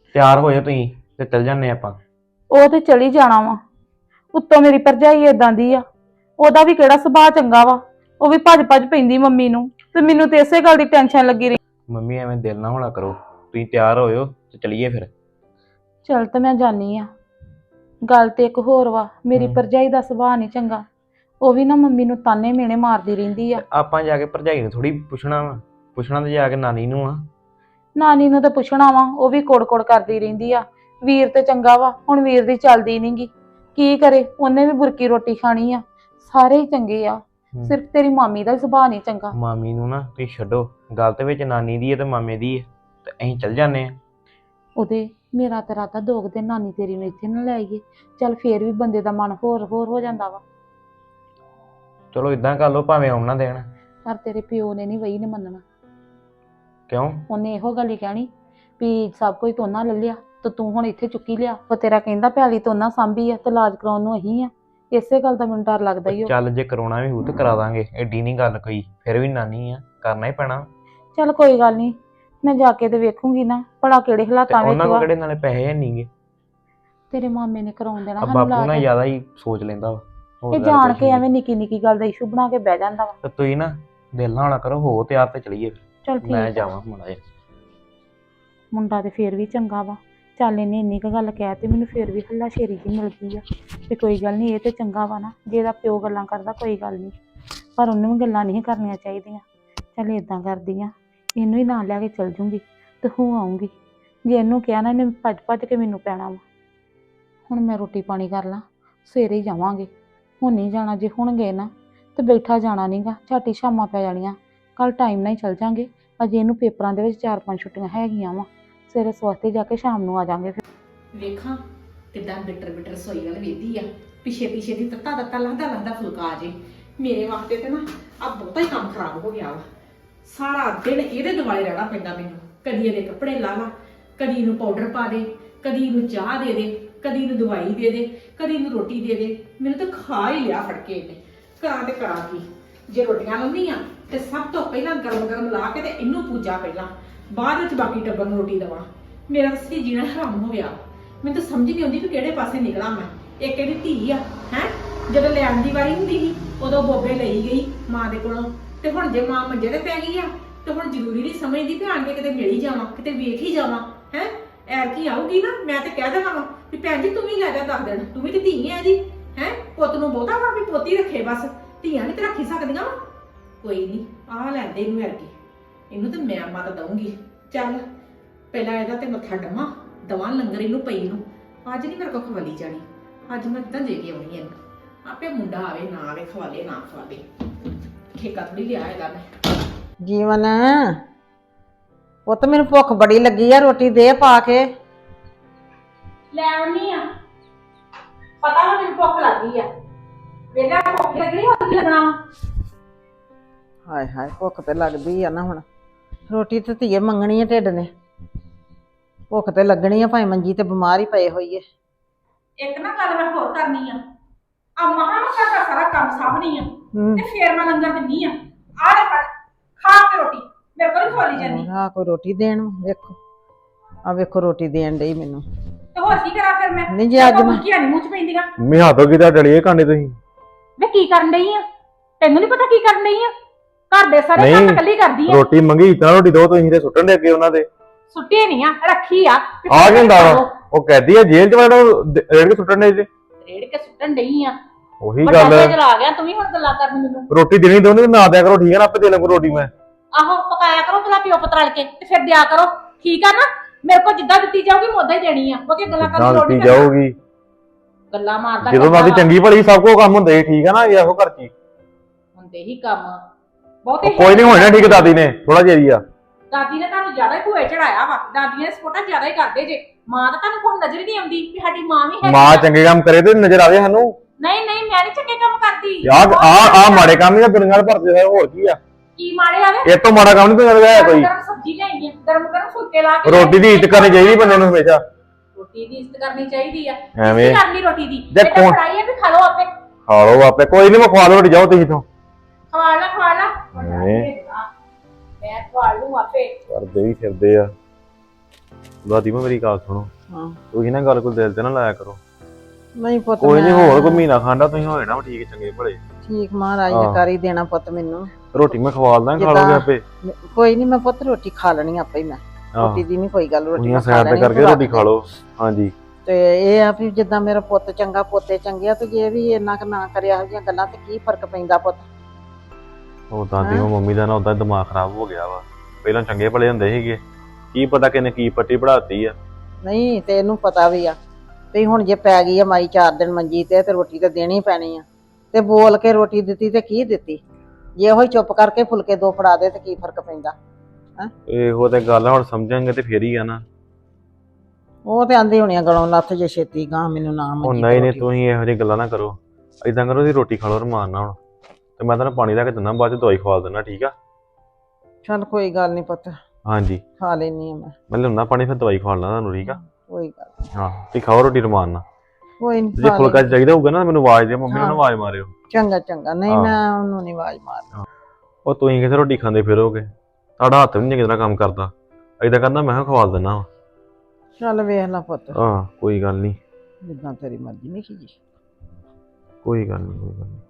Speaker 3: ਤਿਆਰ ਹੋਏ ਤੁਸੀਂ ਤੇ ਚੱਲ ਜਾਂਦੇ ਆਪਾਂ।
Speaker 1: ਉਹ ਤੇ ਚਲੀ ਜਾਣਾ ਵਾ। ਉੱਤੋਂ ਮੇਰੀ ਭਰਜਾਈ ਏਦਾਂ ਦੀ ਆ, ਉਹਦਾ ਵੀ ਕਿਹੜਾ ਸੁਭਾਅ ਚੰਗਾ ਵਾ। ਉਹ ਵੀ ਭੱਜ ਭੱਜ ਪੈਂਦੀ ਮੰਮੀ ਨੂੰ, ਤੇ ਮੈਨੂੰ ਤੇ ਇਸੇ ਗੱਲ ਦੀ ਟੈਨਸ਼ਨ ਲੱਗੀ ਰਹੀ।
Speaker 3: ਮੰਮੀ ਐਵੇਂ ਦਿਲ ਨਾ ਹੋਣਾ ਕਰੋ, ਤੁਸੀਂ ਤਿਆਰ ਹੋਇਓ ਤੇ ਚਲੀਏ ਫਿਰ।
Speaker 1: ਚੱਲ ਤੇ ਮੈਂ ਜਾਨੀ ਆ। ਗੱਲ ਤੇ ਇੱਕ ਹੋਰ ਵਾ, ਮੇਰੀ
Speaker 3: ਹਮ।
Speaker 1: ਭਰਜਾਈ ਦਾ ਸੁਭਾਅ ਨਹੀਂ ਚੰਗਾ। ਉਹ ਵੀ ਨਾ ਮੰਮੀ ਨੂੰ ਤਾਨੇ ਮੇਣੇ ਮਾਰਦੀ ਰਹਿੰਦੀ ਆ।
Speaker 3: ਤੇ ਆਪਾਂ ਜਾ ਕੇ ਭਰਜਾਈ ਨੂੰ ਥੋੜੀ ਪੁੱਛਣਾ ਵਾ, ਪੁੱਛਣਾ ਤੇ ਜਾ ਕੇ ਨਾਨੀ ਨੂੰ ਆ।
Speaker 1: ਨਾਨੀ ਨੂੰ ਤਾਂ ਪੁੱਛਣਾ ਵਾ, ਉਹ ਵੀ ਕੋੜ ਕੋੜ ਕਰਦੀ ਰਹਿੰਦੀ ਆ। ਵੀਰ ਤੇ ਚੰਗਾ ਵਾ, ਹੁਣ ਵੀਰ ਦੀ ਚੱਲਦੀ ਨਹੀਂਗੀ, ਕੀ ਕਰੇ, ਉਹਨੇ ਵੀ ਬੁਰਕੀ ਰੋਟੀ ਖਾਣੀ ਆ। ਸਾਰੇ ਹੀ ਚੰਗੇ ਆ,
Speaker 3: ਹਮ।
Speaker 1: ਸਿਰਫ ਤੇਰੀ ਮਾਮੀ ਦਾ ਸੁਭਾਅ ਨਹੀਂ ਚੰਗਾ।
Speaker 3: ਮਾਮੀ ਨੂੰ ਨਾ ਤੁਸੀਂ ਛੱਡੋ, ਗੱਲ ਤੇ ਵਿੱਚ ਨਾਨੀ ਦੀ ਹੈ ਤੇ ਮਾਮੇ ਦੀ ਹੈ, ਤੇ ਅਸੀਂ ਚੱਲ ਜਾਂਦੇ ਆ।
Speaker 1: ਉਹਦੇ ਮੇਰਾ ਤਾਂ ਰਾਤਾ ਦੋ ਕੁ ਦਿਨ ਨਾਨੀ ਤੇਰੀ ਨੂੰ ਇੱਥੇ ਨਾ ਲੈ ਆਈਏ, ਚੱਲ ਫੇਰ ਵੀ ਬੰਦੇ ਦਾ ਮਨ ਹੋਰ ਹੋਰ ਹੋ ਜਾਂਦਾ ਵਾ।
Speaker 3: ਚਲੋ ਇਦਾਂ ਕਰ ਲਓ, ਭਾਵੇਂ ਆਉਣਾ ਦੇਣ।
Speaker 1: ਪਰ ਤੇਰੇ ਪਿਓ ਨੇ ਨਹੀਂ ਵਈ ਨੇ ਮੰਨਣਾ।
Speaker 3: ਕਿਉਂ?
Speaker 1: ਉਹਨੇ ਇਹੋ ਗੱਲ ਹੀ ਕਹਿਣੀ ਵੀ ਸਭ ਕੁਝ ਤੋਨਾ ਲੈ ਲਿਆ ਤੇ ਤੂੰ ਹੁਣ ਇੱਥੇ ਚੁੱਕੀ ਲਿਆ। ਉਹ ਤੇਰਾ ਕਹਿੰਦਾ ਪੈਲੀ ਤੋਨਾ ਸਾਂਭੀ ਆ ਤੇ ਇਲਾਜ ਕਰਾਉਣ ਨੂੰ ਅਹੀਂ ਆ। ਇਸੇ ਗੱਲ ਦਾ ਮੈਨੂੰ ਡਰ ਲੱਗਦਾ ਹੀ।
Speaker 3: ਚੱਲ ਜੇ ਕਰਾਉਣਾ ਵੀ ਹੋਊ ਤੇ ਕਰਾ ਦਾਂਗੇ, ਐਡੀ ਨਹੀਂ ਗੱਲ ਕੋਈ, ਫਿਰ ਵੀ ਨਾਨੀ ਆ, ਕਰਨਾ ਹੀ ਪੈਣਾ।
Speaker 1: ਚੱਲ ਕੋਈ ਗੱਲ ਨਹੀਂ, ਮੈਂ ਜਾ ਕੇ ਤੇ ਵੇਖੂੰਗੀ ਨਾ ਭਲਾ ਕਿਹੜੇ
Speaker 3: ਤੇ
Speaker 1: ਹਾਲਾਤਾਂ ਵਿੱਚ
Speaker 3: ਉਹਨਾਂ ਕੋਲ
Speaker 1: ਵਾ।
Speaker 3: ਕਿਹੜੇ ਨਾਲੇ ਪੈਸੇ ਹੈ ਨਹੀਂਗੇ।
Speaker 1: ਤੇਰੇ ਮਾਮੇ ਨੇ ਕਰਾਉਣ ਦੇਣਾ
Speaker 3: ਆ
Speaker 1: ਸਾਨੂੰ
Speaker 3: ਬਾਪੂ ਨਾ
Speaker 1: ਇਲਾਜ।
Speaker 3: ਜ਼ਿਆਦਾ ਹੀ ਸੋਚ ਲੈਂਦਾ ਵਾ, ਹੋਰ
Speaker 1: ਇਹ
Speaker 3: ਗੱਲ
Speaker 1: ਜਾਣ
Speaker 3: ਕੁਛ
Speaker 1: ਕੇ
Speaker 3: ਨੀ।
Speaker 1: ਐਵੇਂ ਨਿੱਕੀ ਨਿੱਕੀ ਗੱਲ ਦਾ ਇਸ਼ੂ ਬਣਾ ਕੇ ਬਹਿ ਜਾਂਦਾ ਵਾ।
Speaker 3: ਤੇ ਤੁਸੀਂ ਨਾ ਦਿਲ ਨਾ ਹੋਣਾ ਕਰੋ, ਹੋ ਤਿਆਰ ਤੇ ਚਲੀਏ ਫਿਰ।
Speaker 1: ਚੱਲ ਠੀਕ
Speaker 3: ਮੈਂ
Speaker 1: ਆ।
Speaker 3: ਜਾਵਾਂ ਮਾੜਾ ਜਿਹਾ।
Speaker 1: ਮੁੰਡਾ ਤੇ ਫੇਰ ਵੀ ਚੰਗਾ ਵਾ। ਚੱਲ ਇਹਨੇ ਇੰਨੀ ਕੁ ਗੱਲ ਕਹਿ ਤੇ ਮੈਨੂੰ ਫੇਰ ਵੀ ਹੱਲਾ ਸ਼ੇਰੀ ਜੀ ਮਿਲ ਗਈ ਆ ਤੇ ਕੋਈ ਗੱਲ ਨਹੀਂ, ਇਹ ਤੇ ਚੰਗਾ ਵਾ ਨਾ। ਜੇ ਇਹਦਾ ਪਿਓ ਗੱਲਾਂ ਕਰਦਾ ਕੋਈ ਗੱਲ ਨਹੀਂ, ਪਰ ਉਹਨੂੰ ਵੀ ਗੱਲਾਂ ਨਹੀਂ ਕਰਨੀਆਂ ਚਾਹੀਦੀਆਂ। ਚੱਲ ਏਦਾਂ ਕਰਦੀ ਆ, ਇਹਨੂੰ ਹੀ ਨਾਲ ਲੈ ਕੇ ਚਲ ਜੂੰਗੀ ਤੇ ਹੋ ਆਉਂਗੀ। ਜੇ ਇਹਨੂੰ ਕਿਹਾ ਨਾ, ਇਹਨੇ ਭੱਜ ਭੱਜ ਕੇ ਮੈਨੂੰ ਪੈਣਾ ਵਾ। ਹੁਣ ਮੈਂ ਰੋਟੀ ਪਾਣੀ ਕਰ ਲਾਂ, ਸਵੇਰੇ ਹੀ ਜਾਵਾਂਗੇ। ਹੁਣ ਨਹੀਂ ਜਾਣਾ, ਜੇ ਹੁਣ ਗਏ ਨਾ ਤੇ ਬੈਠਾ ਜਾਣਾ ਨਹੀਂਗਾ, ਝਾਟੀ ਸ਼ਾਮਾਂ ਪੈ ਜਾਣੀਆਂ। ਕੱਲ ਟਾਈਮ ਨਾਲ ਹੀ ਚਲ ਜਾਂਗੇ। ਅਜੇ ਇਹਨੂੰ ਪੇਪਰਾਂ ਦੇ ਵਿੱਚ ਚਾਰ ਪੰਜ ਛੁੱਟੀਆਂ ਹੈਗੀਆਂ ਵਾ। ਸਵੇਰੇ ਸਵਸਤੇ ਜਾ ਕੇ ਸ਼ਾਮ ਨੂੰ ਆ ਜਾਾਂਗੇ। ਫਿਰ
Speaker 4: ਵੇਖਾਂ ਕਿਦਾਂ ਬਿਟਰ ਬਿਟਰ ਰਸੋਈ ਵੱਲ ਵੇਦੀ ਆ, ਪਿਛੇ ਪਿਛੇ ਦੀ ਤੱਤਾ ਤੱਤਾ ਲੰਘਦਾ ਲੰਘਦਾ ਫੁਲਕਾ ਆ ਜੇ। ਮੇਰੇ ਵਾਸਤੇ ਤੇ ਨਾ ਆ ਬਹੁਤਾ ਹੀ ਕੰਮ ਖਰਾਬ ਹੋ ਗਿਆ ਵਾ। ਸਾਰਾ ਦਿਨ ਇਹਦੇ ਦੁਆਲੇ ਰਹਿਣਾ ਪੈਂਦਾ ਮੈਨੂੰ। ਕਦੀ ਇਹਦੇ ਕੱਪੜੇ ਲਾ ਲਾ, ਕਦੀ ਇਹਨੂੰ ਪਾਊਡਰ ਪਾ ਦੇ, ਕਦੀ ਇਹਨੂੰ ਚਾਹ ਦੇ ਦੇ, ਕਦੀ ਇਹਨੂੰ ਦਵਾਈ ਦੇ ਦੇ, ਕਦੀ ਇਹਨੂੰ ਰੋਟੀ ਦੇ ਦੇ। ਮੈਨੂੰ ਤਾਂ ਖਾ ਹੀ ਲਿਆ ਫੜ ਕੇ ਇਹਨੇ। ਕਰਾਂ ਤੇ ਕਰਾਂ ਕੀ? ਜੇ ਰੋਟੀਆਂ ਲਾਉਂਦੀ ਆ ਤੇ ਸਭ ਤੋਂ ਪਹਿਲਾਂ ਗਰਮ ਗਰਮ ਲਾ ਕੇ ਤੇ ਇਹਨੂੰ ਪੂਜਾ ਪਹਿਲਾਂ, ਬਾਅਦ ਵਿੱਚ ਬਾਕੀ ਟੱਬਰ ਨੂੰ ਰੋਟੀ ਦੇਵਾਂ। ਮੇਰਾ ਸੱਚੀ ਜੀਣਾ ਹਰਾਮ ਹੋ ਗਿਆ। ਮੈਨੂੰ ਤਾਂ ਸਮਝ ਨਹੀਂ ਆਉਂਦੀ ਵੀ ਕਿਹੜੇ ਪਾਸੇ ਨਿਕਲਾਂ ਮੈਂ। ਇੱਕ ਇਹਦੀ ਧੀ ਆ ਹੈ, ਜਦੋਂ ਲਿਆਉਣ ਦੀ ਵਾਰੀ ਹੁੰਦੀ ਸੀ ਉਦੋਂ ਬੋਬੇ ਲਈ ਗਈ ਮਾਂ ਦੇ ਕੋਲੋਂ, ਤੇ ਹੁਣ ਜੇ ਮਾਂ ਮੰਜੇ ਤੇ ਪੈ ਗਈ ਆ ਤੇ ਹੁਣ ਜ਼ਰੂਰੀ ਨਹੀਂ ਸਮਝਦੀ ਵੀ ਆਣ ਕੇ ਕਿਤੇ ਮਿਲ ਹੀ ਜਾਵਾਂ, ਕਿਤੇ ਵੇਖ ਹੀ ਜਾਵਾਂ। ਹੈ ਐਰ ਕੀ ਆਊਗੀ ਨਾ, ਮੈਂ ਤੇ ਕਹਿ ਦੇਣਾ ਵਾ ਵੀ ਭੈਣ ਜੀ ਤੂੰ ਵੀ ਲੈ ਜਾ ਦੱਸ ਦੇਣ, ਤੂੰ ਵੀ ਤੇ ਧੀ ਹੈ ਜੀ। ਹੈ ਪੁੱਤ ਨੂੰ ਬਹੁਤਾ ਵਾ ਵੀ ਪੋਤੀ ਰੱਖੇ, ਬਸ ਧੀਆਂ ਨਹੀਂ ਤੇ ਰੱਖੀ ਸਕਦੀਆਂ ਵਾ। ਕੋਈ ਨਹੀਂ, ਆਹ ਲੈਂਦੇ ਇਹਨੂੰ ਐਰ ਕੀ, ਇਹਨੂੰ ਤਾਂ ਮੈਂ ਮਤ ਦਊਂਗੀ। ਚੱਲ ਪਹਿਲਾਂ ਇਹਦਾ ਤੇ ਮੱਥਾ ਡੰਮਾ ਦਵਾਂ ਲੰਗਰ ਇਹਨੂੰ ਪਈ ਨੂੰ। ਅੱਜ ਨਹੀਂ ਮੇਰੇ ਕੋਲ ਖਵਾਲੀ ਜਾਣੀ, ਅੱਜ ਮੈਂ ਤਾਂ ਦੇ ਕੇ ਆਉਣੀ ਇਹਨੂੰ। ਆਪੇ ਮੁੰਡਾ ਆਵੇ ਨਾ ਆਵੇ, ਖਵਾਲੇ ਨਾ ਖਵਾਲੇ, ਠੇਕਾ ਥੋੜੀ ਲਿਆ ਇਹਦਾ ਮੈਂ।
Speaker 5: ਜੀਵਨ ਉਹ ਤਾਂ ਮੈਨੂੰ ਭੁੱਖ ਬੜੀ ਲੱਗੀ ਆ, ਰੋਟੀ ਦੇ ਪਾ ਕੇ।
Speaker 1: ਲੈ ਆਉਣੀ ਆ, ਪਤਾ ਵਾ ਮੈਨੂੰ ਭੁੱਖ ਲੱਗੀ ਆ। ਵੇਲਾ ਭੁੱਖ ਲੱਗਣੀ ਹੋਰ ਕੀ ਲੱਗਣਾ ਵਾ।
Speaker 5: ਹਾਏ ਹਾਏ ਭੁੱਖ ਤੇ ਲੱਗਦੀ ਆ ਨਾ, ਹੁਣ ਰੋਟੀ ਤੇ ਧੀਏ ਮੰਗਣੀ ਆ ਢਿੱਡ ਨੇ। ਭੁੱਖ ਤੇ ਲੱਗਣੀ ਆ, ਭਾਵੇਂ ਮੰਜੀ ਤੇ ਬਿਮਾਰ ਹੀ ਪਏ ਹੋਈਏ।
Speaker 1: ਇੱਕ ਨਾ ਗੱਲ ਮੈਂ ਹੋਰ ਕਰਨੀ ਆ, ਆ ਮਹਾਂ ਮੈਂ ਘਰ ਦਾ ਸਾਰਾ ਕੰਮ ਸਾਂਭਣੀ ਆ ਤੇ ਫੇਰ ਮੈਂ ਲੰਗਰ ਦਿੰਨੀ ਆ। ਆ ਲੈ ਫੜ, ਖਾ ਕੇ ਰੋਟੀ, ਮੇਰੇ ਕੋਲ ਖਵਾਲੀ ਜਾਂਦੀ।
Speaker 5: ਆ ਕੋਈ ਰੋਟੀ ਦੇਣ, ਵੇਖੋ ਆ ਵੇਖੋ ਰੋਟੀ ਦੇਣ ਡਈ ਮੈਨੂੰ।
Speaker 1: ਤੇ ਹੋਰ ਕੀ ਕਰਾਂ ਫਿਰ ਮੈਂ?
Speaker 5: ਨਹੀਂ ਜੀ ਅੱਜ ਮੈਂ
Speaker 1: ਕੀ ਨਹੀਂ ਮੂੰਹ ਚ ਪੈਂਦੀਆਂ।
Speaker 3: ਮੰਮੀ ਹੱਥੋਂ ਕਿਦਾਂ ਡਲੀਏ ਕਾਂਡੇ ਤੁਸੀਂ?
Speaker 1: ਵੇ ਕੀ ਕਰਨ ਡਈ ਆ? ਤੈਨੂੰ ਨਹੀਂ ਪਤਾ ਕੀ ਕਰਨ ਡਈ ਆ? ਘਰ ਦੇ ਸਾਰੇ ਕੰਮ ਇਕੱਲੀ ਕਰਦੀ ਆ।
Speaker 3: ਰੋਟੀ ਮੰਗੀ ਤਾਂ ਰੋਟੀ ਦੋ, ਤੁਸੀਂ ਤੇ ਸੁੱਟਣ ਦੇ ਅੱਗੇ ਉਹਨਾਂ ਦੇ।
Speaker 1: ਸੁੱਟੀ ਨਹੀਂ ਆ, ਰੱਖੀ ਆ।
Speaker 3: ਆ ਕੀ ਹੁੰਦਾ ਵਾ? ਉਹ ਕਹਦੀ ਆ ਜੇਲ੍ਹ ਚ ਵੜੋ ਰੇੜ ਕੇ ਸੁੱਟਣ ਦੇ ਜੇ।
Speaker 1: ਰੇੜ ਕੇ ਸੁੱਟਣ ਡਈ ਆ।
Speaker 3: ਉਹੀ
Speaker 1: ਵੱਡਾ
Speaker 3: ਗੱਲ
Speaker 1: ਤੇਜ ਲਾ ਗਿਆ, ਤੂੰ ਵੀ ਹੁਣ ਗੱਲਾਂ ਕਰਨ ਮੈਨੂੰ।
Speaker 3: ਰੋਟੀ ਦੇਣੀ ਦੋਨੇ ਨਾ ਦਿਆ ਕਰੋ, ਠੀਕ ਹੈ ਨਾ? ਆਪੇ ਦੇ ਲਾਂ ਰੋਟੀ ਮੈਂ।
Speaker 1: ਆਹੋ ਪਕਾਇਆ ਕਰੋ ਪਹਿਲਾਂ ਪਿਓ ਪੁੱਤ ਰਲ ਕੇ ਤੇ ਫਿਰ ਦਿਆ ਕਰੋ, ਠੀਕ ਆ ਨਾ? ਮੇਰੇ ਕੋਲ ਜਿੱਦਾਂ ਦਿੱਤੀ ਜਾਊਗੀ ਮੈਂ ਉਦਾਂ ਹੀ ਦੇਣੀ ਆ। ਕਿਉਂਕਿ ਗੱਲਾਂ ਕਰਨ ਦੀ ਲੋੜ ਨਹੀਂ।
Speaker 3: ਜਾਊਗੀ
Speaker 1: ਗੱਲਾਂ ਮਾਰਦਾ
Speaker 3: ਜਦੋਂ ਮਾਦੀ ਚੰਗੀ ਭਲੀ ਸਭ ਕੋ ਕੰਮ ਹੁੰਦੇ ਠੀਕ ਹੈ ਨਾ? ਇਹੋ ਘਰ ਚ
Speaker 1: ਹੁੰਦੇ ਹੀ ਕੰਮ ਬਹੁਤੇ।
Speaker 3: ਕੋਈ ਨਹੀਂ ਹੋਣਾ ਠੀਕ ਦਾਦੀ ਨੇ ਥੋੜਾ ਜਿਹਾ ਹੀ ਆ।
Speaker 1: ਦਾਦੀ ਨੇ ਤੁਹਾਨੂੰ ਜ਼ਿਆਦਾ ਹੀ ਭੂਏ ਚੜਾਇਆ ਵਾ। ਦਾਦੀ ਨੇ ਸਪੋਰਟਾਂ ਜ਼ਿਆਦਾ ਹੀ ਕਰਦੇ ਜੇ। ਮਾਂ ਤਾਂ ਤੁਹਾਨੂੰ ਕੋਈ ਨਜ਼ਰ ਹੀ ਨਹੀਂ ਆਉਂਦੀ ਵੀ ਸਾਡੀ ਮਾਂ ਵੀ ਹੈ।
Speaker 3: ਮਾਂ ਚੰਗੇ ਕੰਮ ਕਰੇ ਤੇ ਨਜ਼ਰ ਆਵੇ ਸਾਨੂੰ।
Speaker 1: ਨਹੀਂ ਨਹੀਂ ਮੈਂ ਨਹੀਂ ਚੰਗੇ ਕੰਮ ਕਰਦੀ।
Speaker 3: ਆ ਆ ਆ ਮਾੜੇ ਕੰਮ ਹੀ ਆ, ਦੁਨੀਆ ਭਰਦੇ ਹੋਏ ਹੋਰ ਕੀ ਆ?
Speaker 1: ਕੀ ਮਾੜੇ ਆਵੇ?
Speaker 3: ਇਹ ਤੋਂ ਮਾੜਾ ਕੰਮ ਨਹੀਂ ਦੁਨੀਆ ਦਾ ਹੈ ਕੋਈ।
Speaker 1: ਗਰਮ ਸਬਜ਼ੀ ਲਿਆਈ ਆ, ਗਰਮ ਗਰਮ ਫੁਲਕੇ ਲਾ ਕੇ।
Speaker 3: ਰੋਟੀ ਦੀ ਇੱਜ਼ਤ ਕਰਨੀ ਚਾਹੀਦੀ ਬੰਦੇ ਨੂੰ ਹਮੇਸ਼ਾ।
Speaker 1: ਰੋਟੀ ਦੀ ਇੱਜ਼ਤ ਕਰਨੀ ਚਾਹੀਦੀ ਆ।
Speaker 3: ਐਵੇਂ
Speaker 1: ਕਰਨੀ ਰੋਟੀ ਦੀ
Speaker 3: ਜੇ
Speaker 1: ਇਹ ਤਾਂ
Speaker 3: ਕੌਣ-
Speaker 1: ਫੜਾਈ ਆ ਵੀ ਖਾ ਲਓ ਆਪੇ।
Speaker 3: ਖਾ ਲਓ ਆਪੇ, ਕੋਈ ਨਹੀਂ ਮੈਂ ਖਵਾ ਲਓ ਰੋਟੀ, ਜਾਓ ਤੁਸੀਂ ਤੋਂ।
Speaker 1: ਖਵਾ ਲਾ ਖਵਾ ਲਾ,
Speaker 3: ਐਵੇਂ
Speaker 1: ਮੈਂ ਖਵਾ ਲੂੰ ਆਪੇ।
Speaker 3: ਕਰਦੇ ਹੀ ਫਿਰਦੇ ਆ। ਦਾਦੀ ਮੈਂ ਮੇਰੀ ਗੱਲ ਸੁਣੋ,
Speaker 5: ਹਾਂ
Speaker 3: ਤੁਸੀਂ ਨਾ ਗੱਲ ਕੋਈ ਦਿਲ ਤੇ ਨਾ ਲਾਇਆ ਕਰੋ।
Speaker 5: ਨਹੀਂ ਪੁੱਤ
Speaker 3: ਕੋਈ ਨਹੀਂ,
Speaker 5: ਮੈਂ-
Speaker 3: ਹੋਰ ਕੋਈ ਮਹੀਨਾ ਖਾਂਦਾ ਤੁਸੀਂ ਹੋ ਜਾਣਾ ਠੀਕ ਚੰਗੇ ਭਲੇ।
Speaker 5: ਠੀਕ ਮਹਾਰਾਜ ਨੇ
Speaker 3: ਹਾਂ।
Speaker 5: ਕਰ ਹੀ ਦੇਣਾ ਪੁੱਤ ਮੈਨੂੰ।
Speaker 3: ਰੋਟੀ ਮੈਂ ਖਵਾਲਦਾ, ਖਾ
Speaker 5: ਜਿੱਦਾਂ-
Speaker 3: ਲੋਗੇ ਆਪੇ।
Speaker 5: ਕੋਈ ਨਹੀਂ ਮੈਂ ਪੁੱਤ ਰੋਟੀ ਖਾ ਲੈਣੀ ਆਪੇ ਹੀ ਮੈਂ।
Speaker 3: ਆਹੋ
Speaker 5: ਰੋਟੀ ਦੀ ਨਹੀਂ ਕੋਈ ਗੱਲ, ਰੋਟੀ
Speaker 3: ਉਹਨੀਆਂ
Speaker 5: ਮੈਂ ਖਾ
Speaker 3: ਸਾਈਡ ਤੇ
Speaker 5: ਲੈਣੀ
Speaker 3: ਕਰਕੇ
Speaker 5: ਤੂੰ
Speaker 3: ਰੋਟੀ
Speaker 5: ਰੱਖ
Speaker 3: ਖਾ
Speaker 5: ਦੇ।
Speaker 3: ਲਓ। ਹਾਂਜੀ
Speaker 5: ਤੇ ਇਹ ਆ ਵੀ ਜਿੱਦਾਂ ਮੇਰਾ ਪੁੱਤ ਚੰਗਾ ਪੋਤੇ ਚੰਗੇ ਆ, ਤੇ ਜੇ ਵੀ ਇੰਨਾ ਕੁ ਨਾ ਕਰਿਆ ਇਹੋ ਜਿਹੀਆਂ ਗੱਲਾਂ ਤੇ ਕੀ ਫਰਕ ਪੈਂਦਾ ਪੁੱਤ।
Speaker 3: ਉਹ ਦਾਦੀ
Speaker 5: ਹੈਂ?
Speaker 3: ਉਹ ਮੰਮੀ ਦਾ ਨਾ ਉਦਾਂ ਦਿਮਾਗ ਖਰਾਬ ਹੋ ਗਿਆ ਵਾ। ਪਹਿਲਾਂ ਚੰਗੇ ਭਲੇ ਹੁੰਦੇ ਸੀਗੇ, ਕੀ ਪਤਾ ਕਿਨੇ ਕੀ ਪੱਟੀ ਪੜਾਤੀ ਆ।
Speaker 5: ਨਹੀਂ ਤੇ ਇਹਨੂੰ ਪਤਾ ਵੀ ਆ ਵੀ ਹੁਣ ਜੇ ਪੈ ਗਈ ਆ ਮਾਈ ਚਾਰ ਦਿਨ ਮੰਜੀ ਤੇ ਤੇ ਰੋਟੀ ਤੇ ਦੇਣੀ ਪੈਣੀ ਆ। ਤੇ ਬੋਲ ਕੇ ਰੋਟੀ ਦਿੱਤੀ ਤੇ ਕੀ ਦਿੱਤੀ, ਜੇ ਉਹ ਹੀ ਚੁੱਪ ਕਰਕੇ ਫੁਲਕੇ ਦੋ ਫੜਾ ਦੇ ਤੇ ਕੀ ਫਰਕ ਪੈਂਦਾ।
Speaker 3: ਇਹੋ ਤੇ ਗੱਲ ਆ, ਹੁਣ ਸਮਝਾਂਗੇ ਤੇ ਫੇਰ ਹੀ ਆ ਨਾ।
Speaker 5: ਉਹ ਤੇ ਆਂਦੀ ਹੋਣੀ ਆ ਗਲੋਂ ਲੱਥ ਜੇ ਛੇਤੀ ਗਾਂ ਮੈਨੂੰ ਨਾ
Speaker 3: ਉਹ
Speaker 5: ਮੰਜੀ
Speaker 3: ਨਹੀਂ
Speaker 5: ਤੇ
Speaker 3: ਨਹੀਂ,
Speaker 5: ਰੋਟੀ।
Speaker 3: ਤੁਸੀਂ ਇਹੋ ਜਿਹੀ ਗੱਲਾਂ ਨਾ ਕਰੋ। ਏਦਾਂ ਕਰੋ, ਦੀ ਰੋਟੀ ਖਾ ਲਓ ਰਮਾਨ ਨਾਲ ਹੁਣ, ਤੇ ਮੈਂ ਤੁਹਾਨੂੰ ਪਾਣੀ ਲੈ ਕੇ ਦਿੰਦਾ, ਬਾਅਦ ਚ ਦਵਾਈ ਖਵਾ ਦਿੰਦਾ, ਠੀਕ ਆ?
Speaker 5: ਚੱਲ ਕੋਈ ਗੱਲ ਨਹੀਂ ਪੁੱਤ,
Speaker 3: ਹਾਂਜੀ
Speaker 5: ਖਾ ਲੈਣੀ ਆ ਮੈਂ।
Speaker 3: ਮੈਂ ਲਿਆਉਣਾ ਪਾਣੀ, ਫਿਰ ਦਵਾਈ ਖਵਾ ਲੈਣਾ ਤੁਹਾਨੂੰ, ਠੀਕ ਆ?
Speaker 5: ਕੋਈ ਗੱਲ ਨੀ।
Speaker 3: ਹਾਂ ਤੁਸੀਂ ਖਾਓ ਰੋਟੀ ਰਮਾਨ ਨਾਲ।
Speaker 5: ਕੋਈ
Speaker 3: ਜੇ
Speaker 5: ਨਹੀਂ
Speaker 3: ਫੁਲਕਾ ਚਾਹੀਦਾ ਹੋਊਗਾ ਨਾ ਮੈਨੂੰ ਆਵਾਜ਼ ਦਿਓ, ਮੰਮੀ ਨੂੰ
Speaker 5: ਹਾਂ।
Speaker 3: ਨਾ ਆਵਾਜ਼ ਮਾਰਿਓ।
Speaker 5: ਚੰਗਾ ਚੰਗਾ, ਨਹੀਂ
Speaker 3: ਹਾਂ।
Speaker 5: ਮੈਂ ਉਹਨੂੰ ਨਹੀਂ ਆਵਾਜ਼ ਮਾਰ।
Speaker 3: ਉਹ ਤੁਸੀਂ ਕਿਥੇ ਰੋਟੀ ਖਾਂਦੇ ਫਿਰੋਗੇ, ਤੁਹਾਡਾ ਹੱਥ ਵੀ ਨਹੀਂ ਚੰਗੀ ਤਰ੍ਹਾਂ ਕੰਮ ਕਰਦਾ। ਏਦਾਂ ਕਰਨਾ, ਮੈਂ ਕਿਹਾ ਖਵਾ ਦਿੰਦਾ ਵਾ।
Speaker 5: ਚੱਲ ਵੇਖ ਲੈ ਪੁੱਤ,
Speaker 3: ਹਾਂ ਕੋਈ ਗੱਲ ਨਹੀਂ,
Speaker 5: ਜਿੱਦਾਂ ਤੇਰੀ ਮਰਜ਼ੀ ਨਹੀਂ ਕੀ।
Speaker 3: ਕੋਈ ਗੱਲ ਨਹੀਂ, ਕੋਈ ਗੱਲ ਨਹੀਂ।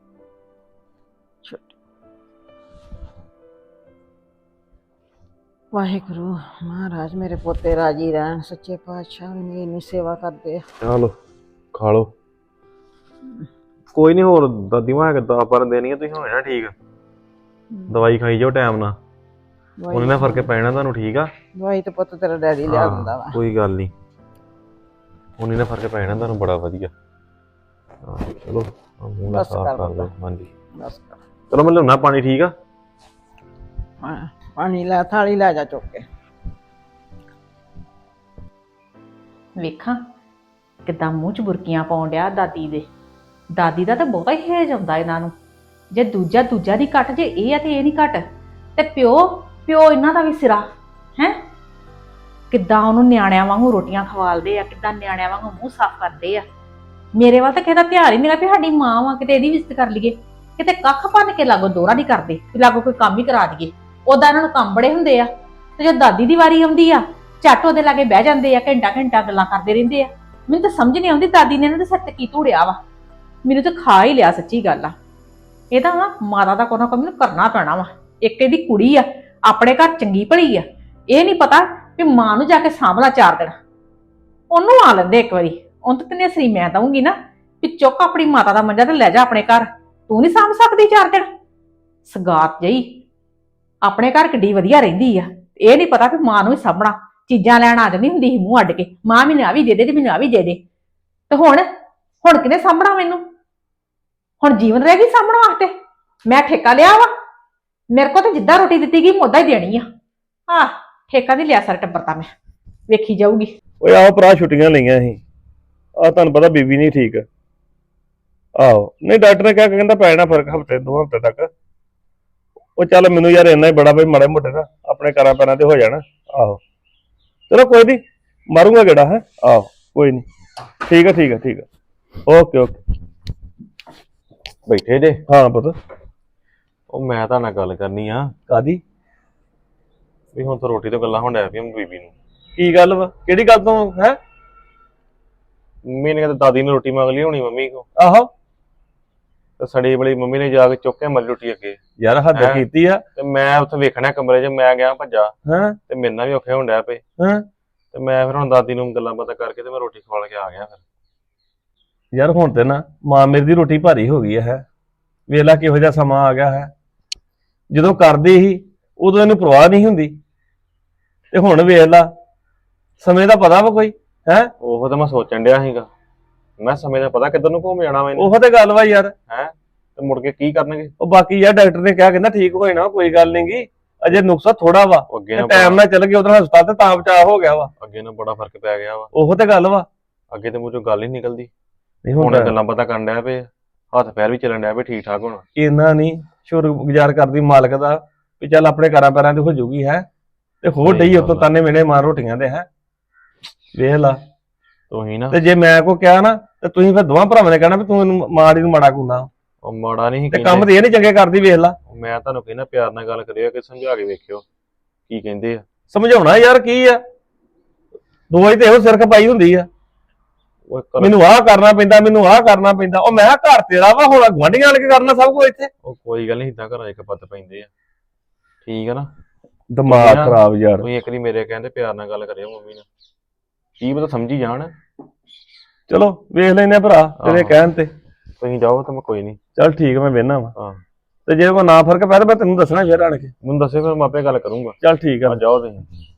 Speaker 5: ਵਾਹਿਗੁਰੂ ਮਹਾਰਾਜ ਮੇਰੇ ਪੋਤੇ ਰਾਜੀ ਰਹਿਣ, ਸੱਚੇ ਪਾਤਸ਼ਾਹ ਮੇਰੀ ਇੰਨੀ ਸੇਵਾ ਕਰਦੇ ਆ।
Speaker 3: ਚਲੋ ਖਾ ਲਓ। ਕੋਈ ਨਹੀਂ, ਹੋਰ ਦਾਦੀ ਮਾਂ ਕਿਦਾਂ ਪਰ ਦੇਣੀ ਆ, ਤੁਸੀਂ ਹੋ ਜਾਣਾ ਠੀਕ। ਦਵਾਈ ਖਾਈ ਜਾਓ ਟਾਈਮ ਨਾਲ, ਉਹਨੇ ਨਾਲ ਫਰਕ ਪੈਣਾ ਤੁਹਾਨੂੰ, ਠੀਕ ਆ?
Speaker 5: ਦਵਾਈ ਤੇ ਪੁੱਤ ਤੇਰਾ ਡੈਡੀ ਲਿਆ ਦਿੰਦਾ ਵਾ।
Speaker 3: ਕੋਈ ਗੱਲ ਨਹੀਂ, ਉਹਨੇ ਨਾਲ ਫਰਕ ਪੈਣਾ ਤੁਹਾਨੂੰ ਬੜਾ ਵਧੀਆ। ਹਾਂ ਚਲੋ ਆਹ ਮੂੰਹ ਨਾਲ
Speaker 5: ਬਸ
Speaker 3: ਸਾਫ਼
Speaker 5: ਕਰ
Speaker 3: ਕਰ ਦਿਓ।
Speaker 5: ਦਿੱਤਾ।
Speaker 3: ਹਾਂਜੀ
Speaker 5: ਬਸ ਕਰ।
Speaker 3: ਚਲੋ ਮੈਂ ਲਿਆਉਣਾ ਪਾਣੀ, ਠੀਕ ਆ?
Speaker 5: ਹਾਂ, ਪਾਣੀ ਲੈ, ਥਾਲੀ ਲੈ ਜਾ ਚੁੱਕ ਕੇ।
Speaker 4: ਵੇਖਾਂ ਕਿੱਦਾਂ ਮੂੰਹ 'ਚ ਬੁਰਕੀਆਂ ਪਾਉਣ ਡਿਆ ਦਾਦੀ ਦੇ। ਦਾਦੀ ਦਾ ਤਾਂ ਬਹੁਤਾ ਹੀ ਹੇਜ ਆਉਂਦਾ ਇਹਨਾਂ ਨੂੰ। ਜੇ ਦੂਜਾ ਦੂਜਾ ਦੀ ਘੱਟ, ਜੇ ਇਹ ਆ ਤੇ ਇਹ ਨਹੀਂ ਘੱਟ। ਤੇ ਪਿਓ ਪਿਓ ਇਹਨਾਂ ਦਾ ਵੀ ਸਿਰਾ ਹੈ। ਕਿੱਦਾਂ ਉਹਨੂੰ ਨਿਆਣਿਆਂ ਵਾਂਗੂ ਰੋਟੀਆਂ ਖਵਾਲਦੇ ਆ, ਕਿੱਦਾਂ ਨਿਆਣਿਆਂ ਵਾਂਗੂ ਮੂੰਹ ਸਾਫ਼ ਕਰਦੇ ਆ। ਮੇਰੇ ਵੱਲ ਤਾਂ ਕਿਸੇ ਦਾ ਧਿਆਨ ਹੀ ਨਹੀਂ ਲੱਗਾ ਵੀ ਸਾਡੀ ਮਾਂ ਵਾ, ਕਿਤੇ ਇਹਦੀ ਵੀ ਇੱਜ਼ਤ ਕਰ ਲਈਏ। ਕਿਤੇ ਕੱਖ ਭੰਨ ਕੇ ਲਾਗੋ ਦੋਹਰਾ ਨਹੀਂ ਕਰਦੇ ਵੀ ਲਾਗੋ ਕੋਈ ਕੰਮ ਹੀ ਕਰਾ ਦਈਏ। ਉਦਾਂ ਇਹਨਾਂ ਨੂੰ ਕੰਮ ਬੜੇ ਹੁੰਦੇ ਆ, ਤੇ ਜਦ ਦਾਦੀ ਦੀ ਵਾਰੀ ਆਉਂਦੀ ਆ ਝੱਟ ਉਹਦੇ ਲਾਗੇ ਬਹਿ ਜਾਂਦੇ ਆ, ਘੰਟਾ ਘੰਟਾ ਗੱਲਾਂ ਕਰਦੇ ਰਹਿੰਦੇ ਆ। ਮੈਨੂੰ ਤਾਂ ਸਮਝ ਨਹੀਂ ਆਉਂਦੀ ਦਾਦੀ ਨੇ ਇਹਨਾਂ ਦੇ ਸਿਰ ਤੇ ਕੀ ਧੂੜਿਆ ਵਾ। ਮੈਨੂੰ ਤਾਂ ਖਾ ਹੀ ਲਿਆ, ਸੱਚੀ ਗੱਲ ਆ। ਇਹਦਾ ਵਾ ਮਾਤਾ ਦਾ ਕੋਈ ਨਾ ਕੋਈ ਮੈਨੂੰ ਕਰਨਾ ਪੈਣਾ ਵਾ। ਇੱਕ ਇਹਦੀ ਕੁੜੀ ਆ, ਆਪਣੇ ਘਰ ਚੰਗੀ ਭਲੀ ਆ, ਇਹ ਨਹੀਂ ਪਤਾ ਵੀ ਮਾਂ ਨੂੰ ਜਾ ਕੇ ਸਾਂਭਲਾ ਚਾਰ ਦਿਨ। ਉਹਨੂੰ ਆ ਲੈਂਦੇ ਇੱਕ ਵਾਰੀ, ਉਹਨੂੰ ਤਾਂ ਤਨੇ ਸਰੀ ਮੈਂ ਦਊਂਗੀ ਨਾ ਵੀ ਚੁੱਕ ਆਪਣੀ ਮਾਤਾ ਦਾ ਮੰਜਾ ਤੇ ਲੈ ਜਾ ਆਪਣੇ ਘਰ। ਤੂੰ ਨਹੀਂ ਸਾਂਭ ਸਕਦੀ ਚਾਰ ਦਿਨ? ਸਗਾਤ ਜਈ ਆਪਣੇ ਘਰ ਕਿੱਡੀ ਵਧੀਆ ਰਹਿੰਦੀ ਆ, ਇਹ ਨਹੀਂ ਪਤਾ ਵੀ ਮਾਂ ਨੂੰ ਵੀ ਸਾਂਭਣਾ। ਚੀਜ਼ਾਂ ਲੈਣ ਆ ਜਾਂਦੀ ਹੁੰਦੀ ਸੀ ਮੂੰਹ ਅੱਡ ਕੇ, ਮਾਂ ਮੈਨੂੰ ਆ ਵੀ ਦੇ ਦੇ ਤੇ ਮੈਨੂੰ ਆ ਵੀ ਦੇ ਦੇ। ਤੇ ਹੁਣ ਹੁਣ ਕਿਹਨੇ ਸਾਂਭਣਾ ਮੈਨੂੰ? ਹੁਣ ਜੀਵਨ ਰਹਿ ਗਈ ਸਾਂਭਣ ਵਾਸਤੇ? ਮੈਂ ਠੇਕਾ ਲਿਆ ਵਾ? ਮੇਰੇ ਕੋਲ ਤਾਂ ਜਿੱਦਾਂ ਰੋਟੀ ਦਿੱਤੀ ਗਈ ਮੁੱਦਾ ਹੀ ਦੇਣੀ ਆ। ਆਹ ਠੇਕਾ ਨਹੀਂ ਲਿਆ, ਸਾਰਾ ਟੱਬਰ ਤਾਂ ਮੈਂ ਵੇਖੀ ਜਾਊਗੀ।
Speaker 6: ਓਏ ਆਓ ਭਰਾ, ਛੁੱਟੀਆਂ ਲਈਆਂ ਸੀ। ਆ ਤੁਹਾਨੂੰ ਪਤਾ ਬੀਬੀ ਨਹੀਂ ਠੀਕ। ਆਹੋ ਨਹੀਂ, ਡਾਕਟਰ ਨੇ ਕਿਹਾ ਕਿ ਕਹਿੰਦਾ ਪੈ ਜਾਣਾ ਫਰਕ ਹਫਤੇ ਦੋ ਹਫਤੇ ਤੱਕ। ਉਹ ਚੱਲ ਮੈਨੂੰ ਯਾਰ ਇੰਨਾ ਹੀ ਬੜਾ ਬਈ, ਮਾੜੇ ਮੋਟੇ ਨਾ ਆਪਣੇ ਘਰਾਂ ਪੈਰਾਂ ਤੇ ਹੋ ਜਾਣਾ। ਆਹੋ ਚਲੋ ਕੋਈ ਨਹੀਂ, ਮਾਰੂੰਗਾ ਗੇੜਾ ਹੈ। ਆਹੋ ਕੋਈ ਨਹੀਂ, ਠੀਕ ਆ ਠੀਕ ਆ ਠੀਕ ਆ, ਓਕੇ ਓਕੇ।
Speaker 3: ਬੈਠੇ ਜੇ?
Speaker 6: ਹਾਂ ਪੁੱਤ।
Speaker 3: ਉਹ ਮੈਂ ਤੁਹਾਡੇ ਨਾਲ ਗੱਲ ਕਰਨੀ ਆ
Speaker 6: ਕਾਦੀ?
Speaker 3: ਵੀ ਹੁਣ ਤਾਂ ਰੋਟੀ ਤੋਂ ਗੱਲਾਂ ਹੋਣ ਡਿਆ ਪਈਆਂ ਬੀਬੀ ਨੂੰ।
Speaker 6: ਕੀ ਗੱਲ ਵਾ? ਕਿਹੜੀ ਗੱਲ ਤੋਂ ਹੈ?
Speaker 3: ਮੰਮੀ ਨੇ ਕਹਿੰਦਾ ਦਾਦੀ ਨੇ ਰੋਟੀ ਮੰਗ ਲਈ ਹੋਣੀ ਮੰਮੀ ਕੋ,
Speaker 6: ਆਹੋ
Speaker 3: ਤੇ ਸੜੀ ਬੜੀ ਮੰਮੀ ਨੇ ਜਾ ਕੇ ਚੁੱਕ ਕੇ ਮਰੀ ਰੋਟੀ ਅੱਗੇ।
Speaker 6: ਯਾਰ ਹੱਦ
Speaker 3: ਹੈਂ?
Speaker 6: ਕੀਤੀ ਆ।
Speaker 3: ਤੇ ਮੈਂ ਉੱਥੇ ਵੇਖਣਾ ਕਮਰੇ 'ਚ, ਮੈਂ ਗਿਆ ਭੱਜਾ
Speaker 6: ਹਾਂ
Speaker 3: ਤੇ ਮੇਰੇ ਨਾਲ ਵੀ ਔਖੇ ਹੋਣ ਡਿਆ ਪਏ।
Speaker 6: ਹਾਂ
Speaker 3: ਤੇ ਮੈਂ ਫਿਰ ਹੁਣ ਦਾਦੀ ਨੂੰ ਗੱਲਾਂ ਬਾਤਾਂ ਕਰਕੇ ਤੇ ਮੈਂ ਰੋਟੀ ਖਵਾ ਕੇ ਆ ਗਿਆ। ਫਿਰ
Speaker 6: ਯਾਰ ਹੁਣ ਤੇ ਨਾ ਮਾਂ ਮੇਰੀ ਦੀ ਰੋਟੀ ਭਾਰੀ ਹੋ ਗਈ ਹੈ। ਵੇਖ ਲਾ ਕਿਹੋ ਜਿਹਾ ਸਮਾਂ ਆ ਗਿਆ ਹੈ। ਜਦੋਂ ਕਰਦੀ ਸੀ ਉਦੋਂ ਇਹਨੂੰ ਪਰਵਾਹ ਨਹੀਂ ਹੁੰਦੀ, ਤੇ ਹੁਣ ਵੇਖ ਲਾ ਸਮੇਂ ਦਾ ਪਤਾ ਵਾ ਕੋਈ ਹੈ।
Speaker 3: ਉਹ ਤਾਂ ਮੈਂ ਸੋਚਣ ਡਿਆ ਸੀਗਾ, ਮੈਂ ਸਮੇਂ ਦਾ ਪਤਾ ਕਿੱਧਰ ਨੂੰ ਘੁੰਮ ਜਾਣਾ ਵਾ ਇਹਨੇ,
Speaker 6: ਉਹ ਤੇ ਗੱਲ ਵਾ ਯਾਰ।
Speaker 3: ਹੈ ਤੇ ਮੁੜ ਕੇ ਕੀ ਕਰਨਗੇ।
Speaker 6: ਉਹ ਬਾਕੀ ਯਾਰ ਡਾਕਟਰ ਨੇ ਕਿਹਾ ਕਹਿੰਦਾ ਠੀਕ ਹੋ ਜਾਣਾ, ਕੋਈ ਗੱਲ ਨੀ ਗੀ, ਅਜੇ ਨੁਕਸਾ ਥੋੜਾ ਵਾ।
Speaker 3: ਉਹ ਅੱਗੇ ਨਾ
Speaker 6: ਟਾਈਮ ਨਾਲ ਚੱਲ ਗਿਆ ਉਧਰ ਹਸਪਤਾਲ ਤੇ ਤਾਂ ਬਚਾਅ ਹੋ ਗਿਆ ਵਾ।
Speaker 3: ਅੱਗੇ ਨਾਲ ਬੜਾ ਫਰਕ ਪੈ ਗਿਆ ਵਾ।
Speaker 6: ਉਹ ਤੇ ਗੱਲ ਵਾ।
Speaker 3: ਅੱਗੇ ਤੇ ਮੂੰਹ ਚੋਂ ਗੱਲ ਹੀ ਨਿਕਲਦੀ,
Speaker 6: ਨਹੀਂ
Speaker 3: ਹੁਣ
Speaker 6: ਹੁਣ
Speaker 3: ਗੱਲਾਂ ਬਾਤਾਂ ਕਰਨ ਡਿਆ ਪਏ, ਹੱਥ ਪੈਰ ਵੀ ਚੱਲਣ ਡਿਆ ਪਏ ਠੀਕ ਠਾਕ ਹੁਣ।
Speaker 6: ਇੰਨਾ ਨਹੀਂ ਸ਼ੁਕਰਗੁਜ਼ਾਰ ਕਰਦੀ ਮਾਲਕ ਦਾ ਵੀ ਚੱਲ ਆਪਣੇ ਘਰਾਂ ਪੈਰਾਂ ਤੇ ਹੋ ਜੂਗੀ ਹੈ, ਤੇ ਹੋਰ
Speaker 3: ਸਹੀ
Speaker 6: ਡਈ
Speaker 3: ਗੱਲ
Speaker 6: ਉਤੋਂ
Speaker 3: ਆ।
Speaker 6: ਤਾਨੇ ਮੇਰੇ ਮਾਰ ਰੋਟੀਆਂ ਦੇ ਹੈ। ਵੇਖ ਲਾ,
Speaker 3: ਤੁਸੀਂ ਨਾ
Speaker 6: ਤੇ ਜੇ ਮੈਂ ਕੋ ਕਿਹਾ ਨਾ ਤੇ ਤੁਸੀਂ ਫਿਰ ਦੋਵਾਂ ਭਰਾਵਾਂ ਨੇ ਕਹਿਣਾ ਵੀ ਤੂੰ ਇਹਨੂੰ ਮਾੜੀ ਨੂੰ ਮਾੜਾ ਕੁੰਦਾ,
Speaker 3: ਉਹ ਮਾੜਾ ਨਹੀਂ
Speaker 6: ਤੇ ਕੰਮ ਤੇ ਇਹ ਨੀ ਚੰਗੇ ਕਰਦੀ। ਵੇਖ ਲਾ,
Speaker 3: ਮੈਂ ਤੁਹਾਨੂੰ ਕਹਿੰਦਾ ਪਿਆਰ ਨਾਲ ਗੱਲ ਕਰਿਓ ਕਿ ਸਮਝਾ ਕੇ ਵੇਖਿਓ ਕੀ ਕਹਿੰਦੇ ਆ।
Speaker 6: ਸਮਝਾਉਣਾ ਯਾਰ ਕੀ ਆ। ਦਵਾਈ ਤੇ ਇਹੋ ਸਿਰ ਖਪਾਈ ਹੁੰਦੀ ਆ
Speaker 3: ਉਹ ਕਰ-
Speaker 6: ਮੈਨੂੰ ਆਹ ਕਰਨਾ ਪੈਂਦਾ ਮੈਨੂੰ ਆਹ ਕਰਨਾ ਪੈਂਦਾ ਉਹ ਮੈਂ ਕਿਹਾ ਘਰ ਤੇਰਾ ਵਾ ਹੁਣ ਗੁਆਂਢੀਆਂ ਵਾਲੇ ਕੀ ਕਰਨਾ ਸਭ ਕੁਝ ਇੱਥੇ
Speaker 3: ਉਹ ਕੋਈ ਗੱਲ ਨਹੀਂ, ਇਦਾਂ ਘਰਾਂ 'ਚ ਪੱਤ ਪੈਂਦੇ ਆ। ਠੀਕ ਆ ਨਾ,
Speaker 6: ਦਿਮਾਗ
Speaker 3: ਨਾ-
Speaker 6: ਖਰਾਬ ਯਾਰ।
Speaker 3: ਤੁਸੀਂ ਇੱਕ ਵਾਰੀ ਮੇਰੇ ਕਹਿੰਦੇ ਪਿਆਰ ਨਾਲ ਗੱਲ ਕਰਿਓ ਮੰਮੀ ਨਾਲ, ਕੀ ਪਤਾ ਸਮਝੀ ਜਾਣ।
Speaker 6: ਚਲੋ ਵੇਖ ਲੈਨੇ ਆ ਭਰਾ ਤੇਰੇ
Speaker 3: ਆਹੋ।
Speaker 6: ਕਹਿਣ ਤੇ।
Speaker 3: ਤੁਸੀਂ ਜਾਓ ਤਾਂ ਮੈਂ ਕੋਈ ਨਹੀਂ।
Speaker 6: ਚੱਲ ਠੀਕ ਆ, ਮੈਂ ਵੇਹਨਾ ਵਾ
Speaker 3: ਹਾਂ,
Speaker 6: ਤੇ ਜੇ ਕੋਈ ਨਾ ਫਰਕ ਪੈ ਤਾਂ ਮੈਂ ਤੈਨੂੰ ਦੱਸਣਾ ਫਿਰ ਆਣ ਕੇ।
Speaker 3: ਮੈਨੂੰ ਦੱਸਿਓ ਫਿਰ ਮੈਂ ਆਪੇ ਗੱਲ ਕਰੂੰਗਾ।
Speaker 6: ਚੱਲ ਠੀਕ ਆ।
Speaker 3: ਆ ਜਾਓ ਤੁਸੀਂ।